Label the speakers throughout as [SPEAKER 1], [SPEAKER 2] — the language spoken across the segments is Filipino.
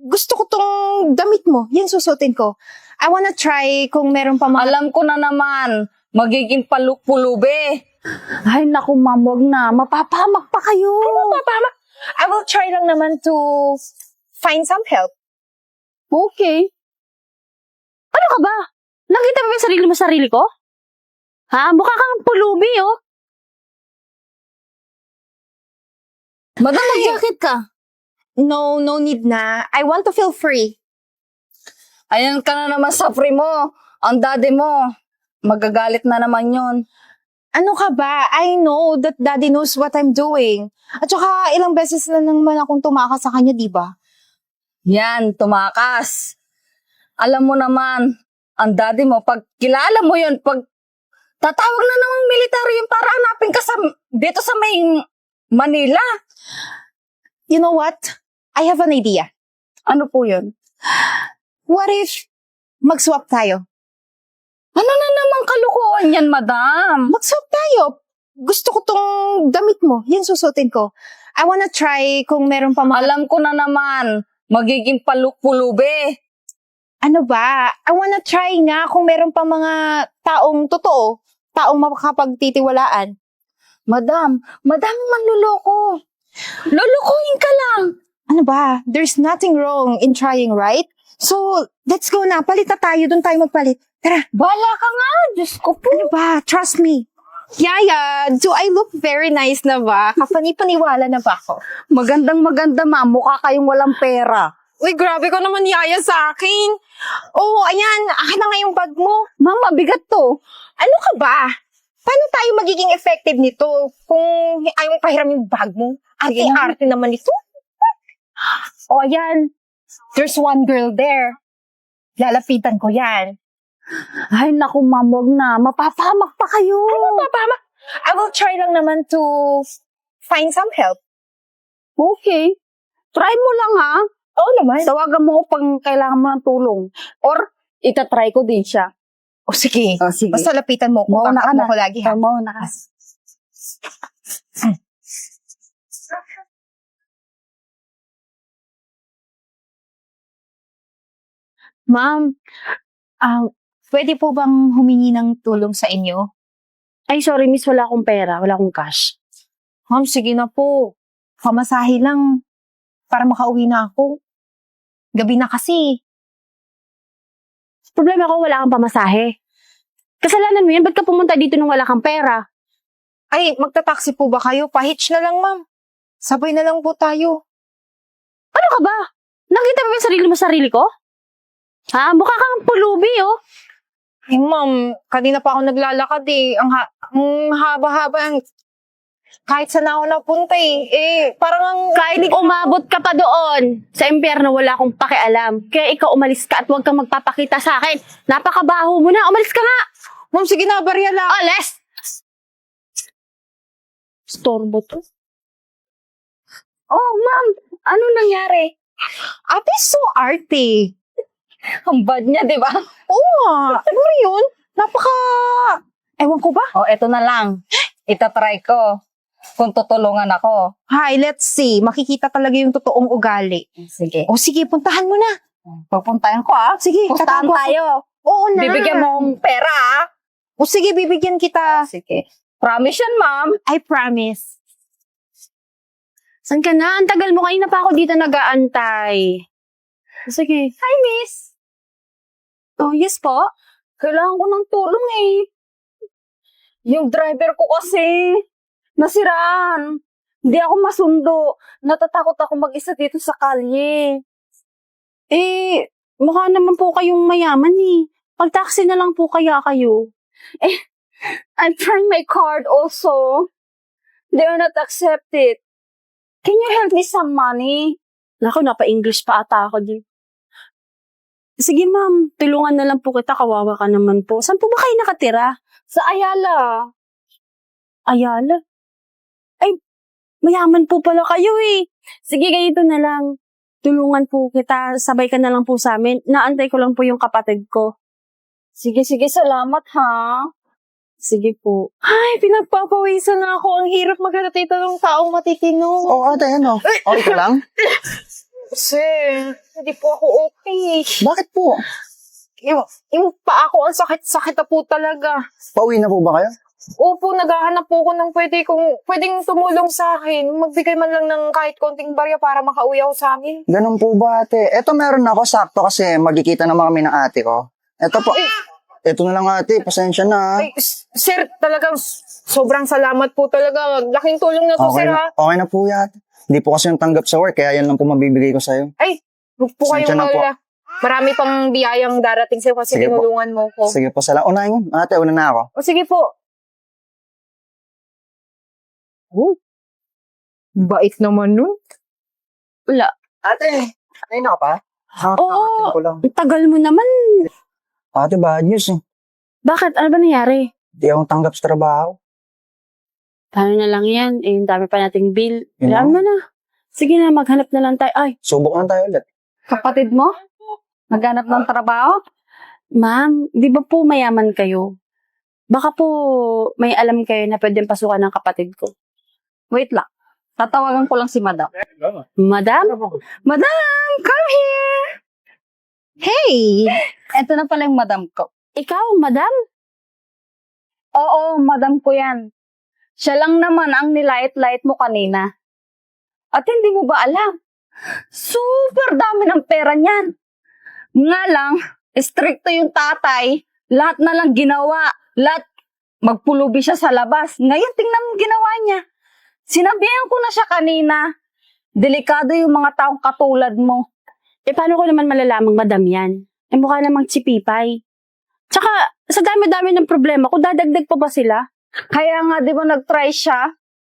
[SPEAKER 1] gusto ko tong damit mo. Yan susutin ko. I wanna try kung meron pa mga...
[SPEAKER 2] Alam ko na naman, magiging pulube.
[SPEAKER 3] Ay, naku, ma'am, wag na. Mapapahamak pa kayo.
[SPEAKER 1] Papahamak. I will try lang naman to find some help.
[SPEAKER 3] Okay. Ano ka ba? Nakita mo ba yung sarili ko? Ha? Mukha kang pulubi, oh.
[SPEAKER 2] Madam, mag-jacket ka.
[SPEAKER 1] No need na. I want to feel free.
[SPEAKER 2] Ayan ka na naman sa free mo. Ang daddy mo, magagalit na naman yun.
[SPEAKER 1] Ano ka ba? I know that daddy knows what I'm doing. At saka ilang beses na naman akong tumakas sa kanya, di ba?
[SPEAKER 2] Yan, tumakas. Alam mo naman, ang daddy mo, pag kilala mo yun, pag tatawag na namang military yun para hanapin ka dito sa may Manila.
[SPEAKER 1] You know what? I have an idea.
[SPEAKER 2] Ano po yun?
[SPEAKER 1] What if mag-swap tayo?
[SPEAKER 2] Ano na namang kalukuhan yan, madam?
[SPEAKER 1] Mag-swap tayo. Gusto ko tong damit mo. Yan susutin ko. I wanna try kung meron pa mga...
[SPEAKER 2] Alam ko na naman, magiging pulube.
[SPEAKER 1] Ano ba? I wanna try nga kung meron pa mga taong totoo. Taong makakapagtitiwalaan.
[SPEAKER 2] Madam manluloko. Lulukuhin ka lang.
[SPEAKER 1] Ano ba? There's nothing wrong in trying, right? So, let's go na. Palit na tayo. Doon tayo magpalit. Tara.
[SPEAKER 2] Bala ka nga, Diyos ko po.
[SPEAKER 1] Ano ba? Trust me. Yaya, do I look very nice na ba? Kapani-paniwala na ba ako?
[SPEAKER 2] Magandang-maganda, ma'am. Mukha kayong walang pera.
[SPEAKER 1] Uy, grabe ko naman, Yaya, sa akin. Oh, ayan. Akin na nga yung bag mo.
[SPEAKER 2] Ma'am, mabigat to.
[SPEAKER 1] Ano ka ba? Paano tayo magiging effective nito kung ayaw mong pahiram yung bag mo? Arte-arte naman ito. O, ayan. There's one girl there. Lalapitan ko yan.
[SPEAKER 3] Ay, naku, ma'am, wag na. Mapapahamak pa kayo.
[SPEAKER 1] Papahamak. I will try lang naman to find some help.
[SPEAKER 3] Okay. Try mo lang, ha?
[SPEAKER 1] Oo naman.
[SPEAKER 3] Tawagan mo ko pag kailangan mo ng tulong. Or, itatry ko din siya.
[SPEAKER 1] O, sige.
[SPEAKER 3] O, sige.
[SPEAKER 1] Basta lapitan mo ko.
[SPEAKER 3] Mauna ka na.
[SPEAKER 1] Ko lagi, ha?
[SPEAKER 3] Mauna ka.
[SPEAKER 1] Ma'am, pwede po bang humingi ng tulong sa inyo?
[SPEAKER 3] Ay, sorry, miss. Wala akong pera. Wala akong cash.
[SPEAKER 1] Ma'am, sige na po. Pamasahe lang para makauwi na ako. Gabi na kasi.
[SPEAKER 3] Problema ko, wala kang pamasahe. Kasalanan mo yan. Ba't ka pumunta dito nung wala kang pera?
[SPEAKER 1] Ay, magta-taxi po ba kayo? Pahitch na lang, ma'am. Sabay na lang po tayo.
[SPEAKER 3] Ano ka ba? Nakita mo ba yung sarili ko? Ha? Mukha kang pulubi, oh.
[SPEAKER 1] Eh, ma'am, kanina pa ako naglalakad eh. Ang haba-haba. Kahit saan ako napunta eh. Parang ang...
[SPEAKER 3] Kahit umabot ka pa doon, sa impyerno wala akong pakialam. Kaya ikaw umalis ka at huwag kang magpapakita sa akin. Napakabaho mo na. Umalis ka nga.
[SPEAKER 1] Ma'am, sige na, barya lang.
[SPEAKER 3] Alis! Storbo to.
[SPEAKER 2] Oh, ma'am, ano nangyari?
[SPEAKER 1] Ate, so arte.
[SPEAKER 2] Ang bad niya, di ba?
[SPEAKER 1] Oo nga. Ano yun? Ewan ko ba?
[SPEAKER 2] Oh, eto na lang. Itatry ko kung tutulungan ako.
[SPEAKER 1] Hi, let's see. Makikita talaga yung totoong ugali.
[SPEAKER 2] Sige.
[SPEAKER 1] O sige, puntahan mo na.
[SPEAKER 2] Pagpuntahan ko, ah.
[SPEAKER 1] Sige,
[SPEAKER 2] Pustahan
[SPEAKER 1] tatago ako.
[SPEAKER 2] tayo.
[SPEAKER 1] Oo na.
[SPEAKER 2] Bibigyan mo ng pera, ah.
[SPEAKER 1] O sige, bibigyan kita.
[SPEAKER 2] Sige. Promise yan, ma'am.
[SPEAKER 1] I promise.
[SPEAKER 3] San ka na? Ang tagal mo. Kanina pa ako dito nag-aantay. Sige.
[SPEAKER 2] Hi, miss.
[SPEAKER 3] Oh, yes po.
[SPEAKER 2] Kailangan ko ng tulong eh. Yung driver ko kasi, nasiraan. Hindi ako masundo. Natatakot ako mag-isa dito sa kalye.
[SPEAKER 3] Eh, mukha naman po kayong mayaman eh. Pag-taxi na lang po kaya kayo.
[SPEAKER 2] I'm trying my card also. They will not accept it. Can you help me some money?
[SPEAKER 3] Naku, napa-English pa ata ako din. Sige ma'am, tulungan na lang po kita. Kawawa ka naman po. Saan po ba kayo nakatira?
[SPEAKER 2] Sa Ayala.
[SPEAKER 3] Ayala? Ay, mayaman po pala kayo eh. Sige, ganito na lang. Tulungan po kita. Sabay ka na lang po sa amin. Naantay ko lang po yung kapatid ko.
[SPEAKER 2] Sige, salamat ha.
[SPEAKER 3] Sige po.
[SPEAKER 1] Ay, pinagpapawisan na ako. Ang hirap maghalatita ng taong matitino.
[SPEAKER 4] Oo, ate, ano? Okay ka lang?
[SPEAKER 1] Sir, hindi po ako okay.
[SPEAKER 4] Bakit po?
[SPEAKER 1] Yung paa ko, ang sakit na po talaga.
[SPEAKER 4] Pauwi na po ba kayo?
[SPEAKER 1] Opo, naghahanap po ako ng pwedeng tumulong sa akin. Magbigay man lang ng kahit konting barya para makauwi ako sa amin.
[SPEAKER 4] Ganun po ba, ate? Eto meron ako, sakto kasi magkikita naman kami ng ate ko. Eto po. Eto na lang, ate. Pasensya na.
[SPEAKER 1] Ay, sir, talagang sobrang salamat po talaga. Laking tulong na to,
[SPEAKER 4] Okay
[SPEAKER 1] sir,
[SPEAKER 4] na,
[SPEAKER 1] ha?
[SPEAKER 4] okay na po yan. Hindi po kasi yung tanggap sa work, kaya yan lang po mabibigay ko sa'yo.
[SPEAKER 1] Ay, huwag po
[SPEAKER 4] Pasensya
[SPEAKER 1] kayong
[SPEAKER 4] na po.
[SPEAKER 1] malala. Marami pang biyayang darating sa'yo kasi
[SPEAKER 4] Sige po.
[SPEAKER 1] tinulungan mo ko.
[SPEAKER 4] Sige po, salamat. Unahin mo. Ate, una na ako.
[SPEAKER 1] O sige po. Oh, bait naman nun.
[SPEAKER 3] Wala.
[SPEAKER 4] Ate, ayun na ka pa?
[SPEAKER 3] Oo.
[SPEAKER 4] Ko lang.
[SPEAKER 3] Ang tagal mo naman.
[SPEAKER 4] Ate, bad news eh.
[SPEAKER 3] Bakit? Ano ba nangyari?
[SPEAKER 4] Hindi akong tanggap sa trabaho.
[SPEAKER 3] Paano na lang yan? Eh, yung dami pa nating bill.
[SPEAKER 4] Yun
[SPEAKER 3] Alam
[SPEAKER 4] lang.
[SPEAKER 3] mo na. Sige na, maghanap na lang tayo. Ay,
[SPEAKER 4] Subok lang tayo ulit.
[SPEAKER 2] Kapatid mo? Naghanap ng trabaho?
[SPEAKER 3] ma'am, di ba po mayaman kayo? Baka po may alam kayo na pwedeng pasukan ng kapatid ko.
[SPEAKER 2] Wait lang. Tatawagan ko lang si madam.
[SPEAKER 3] Madam? Madam, come here!
[SPEAKER 1] Hey!
[SPEAKER 2] Eto na pala yung madam ko.
[SPEAKER 3] Ikaw, madam?
[SPEAKER 2] Oo, madam ko yan. Siya lang naman ang nilait-lait mo kanina. At hindi mo ba alam? Super dami ng pera niyan. Nga lang, stricto yung tatay. Lahat na lang ginawa. Lahat, magpulubi siya sa labas. Ngayon, tingnan mo ginawa niya. Sinabihan ko na siya kanina. Delikado yung mga taong katulad mo.
[SPEAKER 3] Eh, paano ko naman malalamang madam yan? Eh, mukha namang chipipay. Tsaka, sa dami-dami ng problema ko, dadagdag pa ba sila?
[SPEAKER 2] Kaya nga, di ba nag-try siya?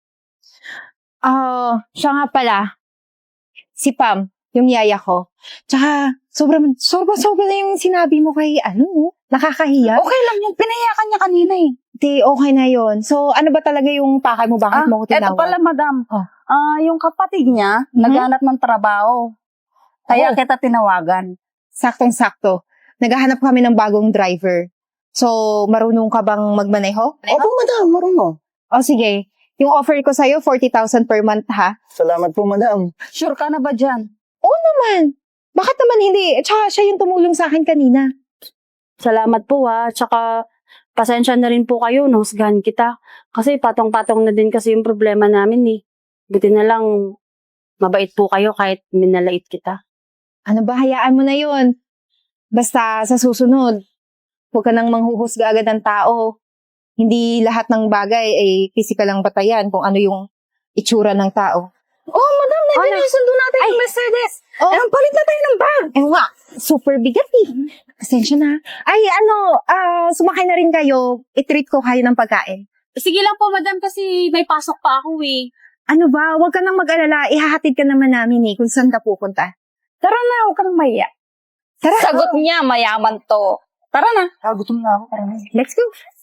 [SPEAKER 1] Siya nga pala. Si Pam, yung yaya ko. Tsaka, sobrang na yung sinabi mo kay, nakakahiya.
[SPEAKER 2] Okay lang yung pinayakan niya kanina eh.
[SPEAKER 1] Di, okay na yon. So, ano ba talaga yung pakay mo? Bakit mo ko tinawag?
[SPEAKER 2] Eto pala, madam.
[SPEAKER 1] Oh.
[SPEAKER 2] Yung kapatid niya, naghanap ng trabaho. Kaya
[SPEAKER 1] Oh.
[SPEAKER 2] kita tinawagan.
[SPEAKER 1] Saktong-sakto. Naghahanap kami ng bagong driver. So, marunong ka bang magmaneho?
[SPEAKER 4] Opo, madam. Marunong.
[SPEAKER 1] O sige, yung offer ko sa'yo, 40,000 per month, ha?
[SPEAKER 4] Salamat po, madam.
[SPEAKER 2] Sure ka na ba dyan?
[SPEAKER 1] Oo naman. Bakit naman hindi? Tsaka siya yung tumulong sa akin kanina.
[SPEAKER 3] Salamat po ha. Tsaka, pasensya na rin po kayo, nahusgahan kita. Kasi patong-patong na din kasi yung problema namin eh. Buti na lang, mabait po kayo kahit minalait kita.
[SPEAKER 1] Ano ba, hayaan mo na yun. Basta sa susunod, huwag ka nang manghuhusga agad ng tao. Hindi lahat ng bagay ay physical ang batayan kung ano yung itsura ng tao.
[SPEAKER 2] Oh, madam, nandiyan yung sundo natin
[SPEAKER 1] Ay.
[SPEAKER 2] yung Mercedes.
[SPEAKER 1] Oh.
[SPEAKER 2] Eh, palit na tayo ng bag.
[SPEAKER 1] Eh nga, super bigat eh. Pasensya na. Ay, sumakay na rin kayo. I-treat ko kayo ng pagkain.
[SPEAKER 3] Sige lang po, madam, kasi may pasok pa ako eh.
[SPEAKER 1] Ano ba, huwag ka nang mag-alala. Ihahatid ka naman namin eh kung saan ka pupunta.
[SPEAKER 2] Tara na, huwag kang maya.
[SPEAKER 1] Tara.
[SPEAKER 2] Sagot niya, mayaman to. Tara na.
[SPEAKER 4] Gutom na ako.
[SPEAKER 1] Let's go.